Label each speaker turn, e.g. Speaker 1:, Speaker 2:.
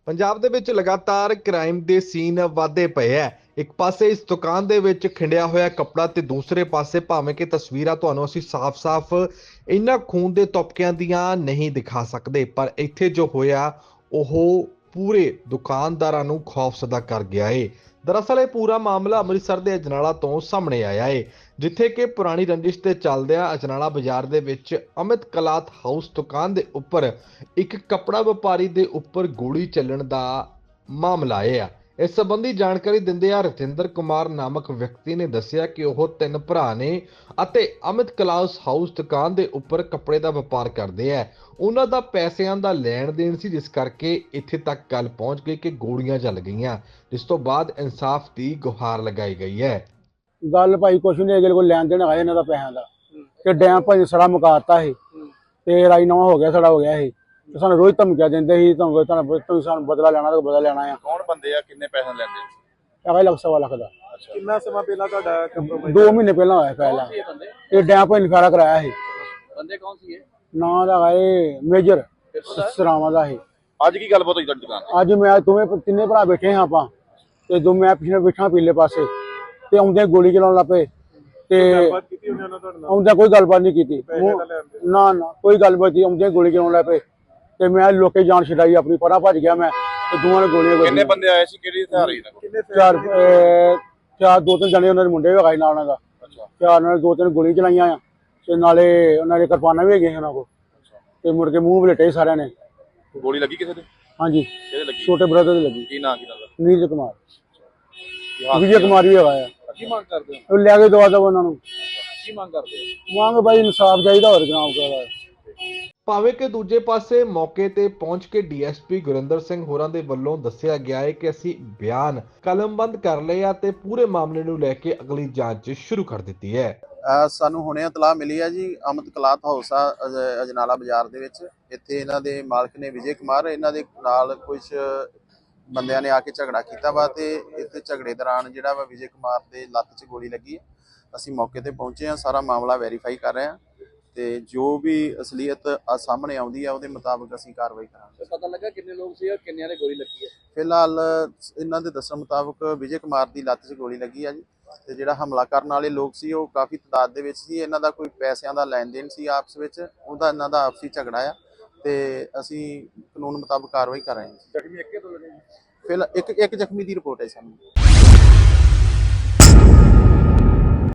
Speaker 1: ਪੰਜਾਬ ਦੇ ਵਿੱਚ ਲਗਾਤਾਰ ਕ੍ਰਾਈਮ ਦੇ ਸੀਨ ਵਧਦੇ ਪਏ ਐ। ਇੱਕ ਪਾਸੇ ਇਸ ਦੁਕਾਨ ਦੇ ਵਿੱਚ ਖਿੰਡਿਆ ਹੋਇਆ ਕੱਪੜਾ ਤੇ ਦੂਸਰੇ ਪਾਸੇ ਭਾਵੇਂ ਕਿ ਤਸਵੀਰਾਂ ਤੁਹਾਨੂੰ ਅਸੀਂ ਸਾਫ਼-ਸਾਫ਼ ਇਹਨਾਂ ਖੂਨ ਦੇ ਤੁਪਕਿਆਂ ਦੀਆਂ ਨਹੀਂ ਦਿਖਾ ਸਕਦੇ, ਪਰ ਇੱਥੇ ਜੋ ਹੋਇਆ ਉਹ ਪੂਰੇ ਦੁਕਾਨਦਾਰਾਂ ਨੂੰ ਖੌਫਜ਼ਦਾ ਕਰ ਗਿਆ ਏ। ਦਰਅਸਲ ਇਹ ਪੂਰਾ ਮਾਮਲਾ ਅੰਮ੍ਰਿਤਸਰ ਦੇ ਅਜਨਾਲਾ ਤੋਂ ਸਾਹਮਣੇ ਆਇਆ ਏ, ਜਿੱਥੇ ਕਿ ਪੁਰਾਣੀ ਰੰਜਿਸ਼ ਤੇ ਚੱਲਦਿਆਂ ਅਜਨਾਲਾ ਬਾਜ਼ਾਰ ਦੇ ਵਿੱਚ ਅਮਿਤ ਕਲਾਥ ਹਾਊਸ ਦੁਕਾਨ ਦੇ ਉੱਪਰ ਇੱਕ ਕੱਪੜਾ ਵਪਾਰੀ ਦੇ ਉੱਪਰ ਗੋਲੀ ਚੱਲਣ ਦਾ ਮਾਮਲਾ ਆਇਆ। ਇਸ ਸੰਬੰਧੀ ਜਾਣਕਾਰੀ ਦਿੰਦਿਆਂ ਰਤਿੰਦਰ ਕੁਮਾਰ ਨਾਮਕ ਵਿਅਕਤੀ ਨੇ ਦੱਸਿਆ ਕਿ ਉਹ ਤਿੰਨ ਭਰਾ ਨੇ ਅਤੇ ਅਮਿਤ ਕਲਾਥ ਹਾਊਸ ਦੁਕਾਨ ਦੇ ਉੱਪਰ ਕੱਪੜੇ ਦਾ ਵਪਾਰ ਕਰਦੇ ਆ। ਉਹਨਾਂ ਦਾ ਪੈਸਿਆਂ ਦਾ ਲੈਣ ਦੇਣ ਸੀ, ਜਿਸ ਕਰਕੇ ਇੱਥੇ ਤੱਕ ਗੱਲ ਪਹੁੰਚ ਗਈ ਕਿ ਗੋਲੀਆਂ ਚੱਲ ਗਈਆਂ, ਜਿਸ ਤੋਂ ਬਾਅਦ ਇਨਸਾਫ ਦੀ ਗੁਹਾਰ ਲਗਾਈ ਗਈ ਹੈ।
Speaker 2: ਗੱਲ ਭਾਈ ਕੁਛ ਨਹੀਂ, ਅਗਲੇ ਕੋਲ ਲੈਣ ਦੇਣ ਆਇਆ ਇਹਨਾਂ ਦਾ ਪੈਸਿਆਂ ਦਾ ਤੇ ਡੈਮ ਭਾਈ ਸੜਾ ਮੁਕਾਤਾ ਸੀ ਤੇ ਰਾਜੀਨਾਮਾ ਹੋ ਗਿਆ, ਸੜਾ ਹੋ ਗਿਆ ਸੀ ਤੇ ਸਾਨੂੰ ਰੋਜ਼ ਧਮਕੀਆਂ ਦਿੰਦੇ ਸੀ, ਤੁਹਾਨੂੰ ਸਾਨੂੰ ਬਦਲਾ ਲੈਣਾ ਤਾਂ ਬਦਲਾ ਲੈਣਾ ਆ।
Speaker 3: ਕੌਣ ਬੰਦੇ ਆ, ਕਿੰਨੇ ਪੈਸੇ ਲੈਂਦੇ?
Speaker 2: ਹੈਗਾ ਲੱਖ ਸਵਾ ਲੱਖ ਦਾ।
Speaker 4: ਕਿੰਨਾ ਸਮਾਂ ਪਹਿਲਾਂ ਤੁਹਾਡਾ ਕੰਪਰੋਮਾਈਜ਼?
Speaker 2: 2 ਮਹੀਨੇ ਪਹਿਲਾਂ ਹੋਇਆ ਪਹਿਲਾਂ ਇਹ ਡੈਮ ਭਾਈ ਨੇ ਫਾਰਾ ਕਰਾਇਆ ਸੀ।
Speaker 4: ਬੰਦੇ ਕੌਣ ਸੀ ਇਹ?
Speaker 2: ਨਾਂ ਦਾ ਇਹ ਮੇਜਰ ਸਰਾਵਾਂ ਦਾ ਸੀ।
Speaker 3: ਅੱਜ ਕੀ ਗੱਲਬਾਤ ਹੋਈ ਤੁਹਾਡੀ ਦੁਕਾਨ
Speaker 2: ਅੱਜ ਮੈਂ ਤਿੰਨੇ ਭਰਾ ਬੈਠੇ ਹਾਂ ਆਪਾਂ ਤੇ ਮੈਂ ਪਿੱਛੇ ਬੈਠਾ ਪੀਲੇ ਪਾਸੇ ਤੇ ਆਉਂਦੇ ਗੋਲੀ ਚਲਾਉਣ ਲੱਗ ਪਏ ਤੇ ਆਉਂਦਾ ਕੋਈ ਗੱਲਬਾਤ ਨਹੀਂ ਕੀਤੀ, ਨਾ ਕੋਈ ਗੱਲਬਾਤ ਨਹੀਂ, ਆਉਂਦੇ ਗੋਲੀ ਚਲਾਉਣ ਲੱਗ ਪਏ ਤੇ ਮੈਂ ਲੋਕੇ ਜਾਨ ਛਡਾਈ ਆਪਣੀ, ਪਰਾਂ ਭੱਜ ਗਿਆ ਮੈਂ ਤੇ ਦੋਵਾਂ ਨੇ ਗੋਲੀਆਂ।
Speaker 3: ਕਿੰਨੇ ਬੰਦੇ ਆਏ ਸੀ, ਕਿਹੜੀ ਹਥਿਆਰ ਸੀ?
Speaker 2: ਚਾਰ 2-3 ਜਣੇ ਉਹਨਾਂ ਦੇ ਮੁੰਡੇ ਵੀ ਨਾਲ ਉਹਨਾਂ ਦਾ। ਚਾਰ ਨਾਲ 2-3 ਗੋਲੀ ਚਲਾਈਆਂ ਆ ਤੇ ਨਾਲੇ ਉਹਨਾਂ ਦੇ ਕਿਰਪਾਨਾਂ ਵੀ ਹੈਗੀਆਂ ਉਹਨਾਂ ਕੋਲ ਤੇ ਮੁੜ ਕੇ ਮੂੰਹ ਵਲੇਟੇ ਸਾਰਿਆਂ ਨੇ।
Speaker 3: ਗੋਲੀ ਲੱਗੀ ਕਿਸੇ ਦੇ?
Speaker 2: ਹਾਂਜੀ,
Speaker 3: ਕਿਹਦੇ ਲੱਗੀ?
Speaker 2: ਛੋਟੇ ਬ੍ਰਦਰ ਦੇ ਲੱਗੀ।
Speaker 3: ਕੀ ਨਾਂ ਕੀ ਨਾਲ?
Speaker 2: ਨੀਰਜ ਕੁਮਾਰ, ਵਿਜੇ ਕੁਮਾਰ ਵੀ ਹੈਗਾ ਆ।
Speaker 4: ਕੀ ਮੰਗ ਕਰਦੇ ਹੋ?
Speaker 2: ਉਹ ਲੈ ਕੇ ਦਵਾ ਦਵੋ ਉਹਨਾਂ ਨੂੰ।
Speaker 4: ਕੀ ਮੰਗ ਕਰਦੇ ਹੋ?
Speaker 2: ਮੰਗ ਬਾਈ ਇਨਸਾਫ ਚਾਹੀਦਾ, ਹੋਰ ਜਨਾਬ ਕਰਦਾ।
Speaker 1: ਭਾਵੇਂ ਕਿ ਦੂਜੇ ਪਾਸੇ ਮੌਕੇ ਤੇ ਪਹੁੰਚ ਕੇ ਡੀਐਸਪੀ ਗੁਰਿੰਦਰ ਸਿੰਘ ਹੋਰਾਂ ਦੇ ਵੱਲੋਂ ਦੱਸਿਆ ਗਿਆ ਹੈ ਕਿ ਅਸੀਂ ਬਿਆਨ ਕਲਮਬੰਦ ਕਰ ਲਏ ਆ ਤੇ ਪੂਰੇ ਮਾਮਲੇ ਨੂੰ ਲੈ ਕੇ ਅਗਲੀ ਜਾਂਚ ਸ਼ੁਰੂ ਕਰ ਦਿੱਤੀ ਹੈ।
Speaker 5: ਸਾਨੂੰ ਹੁਣੇ ਇਤਲਾਹ ਮਿਲੀ ਹੈ ਜੀ, ਅਮਿਤ ਕਲਾਥ ਹਾਊਸ ਆ ਅਜਨਾਲਾ ਬਾਜ਼ਾਰ ਦੇ ਵਿੱਚ। ਇੱਥੇ ਇਹਨਾਂ ਦੇ ਮਾਲਕ ਨੇ ਵਿਜੇ ਕੁਮਾਰ, ਇਹਨਾਂ ਦੇ ਨਾਲ ਕੁਝ ਬੰਦਿਆਂ ਨੇ ਆ ਕੇ ਝਗੜਾ ਕੀਤਾ ਵਾ ਤੇ ਇੱਥੇ ਝਗੜੇ ਦੌਰਾਨ ਜਿਹੜਾ ਵਾ ਵਿਜੇ ਕੁਮਾਰ ਦੇ ਲੱਤ 'ਚ ਗੋਲੀ ਲੱਗੀ ਹੈ। ਅਸੀਂ ਮੌਕੇ ਤੇ ਪਹੁੰਚੇ ਹਾਂ, ਸਾਰਾ ਮਾਮਲਾ ਵੈਰੀਫਾਈ ਕਰ ਰਹੇ ਹਾਂ ਤੇ ਜੋ ਵੀ ਅਸਲੀਅਤ ਸਾਹਮਣੇ ਆਉਂਦੀ ਆ ਉਹਦੇ ਮੁਤਾਬਕ ਅਸੀਂ ਕਾਰਵਾਈ ਕਰਾਂਗੇ।
Speaker 4: ਪਤਾ ਲੱਗਾ ਕਿੰਨੇ ਲੋਕ ਸੀ ਔਰ ਕਿੰਨਿਆਂ ਦੇ ਗੋਲੀ ਲੱਗੀ ਹੈ?
Speaker 5: ਫਿਲਹਾਲ ਇਹਨਾਂ ਦੇ ਦੱਸਣ ਮੁਤਾਬਕ ਵਿਜੇ ਕੁਮਾਰ ਦੀ ਲੱਤ 'ਚ ਗੋਲੀ ਲੱਗੀ ਆ ਜੀ ਤੇ ਜਿਹੜਾ ਹਮਲਾ ਕਰਨ ਵਾਲੇ ਲੋਕ ਸੀ ਉਹ ਕਾਫੀ ਤਾਦਾਦ ਦੇ ਵਿੱਚ ਸੀ। ਇਹਨਾਂ ਦਾ ਕੋਈ ਪੈਸਿਆਂ ਦਾ ਲੈਣ ਦੇਣ ਸੀ ਆਪਸ ਵਿੱਚ, ਉਹਦਾ ਇਹਨਾਂ ਦਾ ਆਪਸੀ ਝਗੜਾ ਆ ਤੇ ਅਸੀਂ ਕਾਨੂੰਨ ਮੁਤਾਬਕ ਕਾਰਵਾਈ ਕਰ ਰਹੇ ਹਾਂ।
Speaker 4: ਜ਼ਖਮੀ ਇੱਕੇ ਤੋਂ ਲੱਗੇ?
Speaker 5: ਫਿਲਹਾਲ ਇੱਕ ਜ਼ਖਮੀ ਦੀ ਰਿਪੋਰਟ ਹੈ ਸਾਨੂੰ।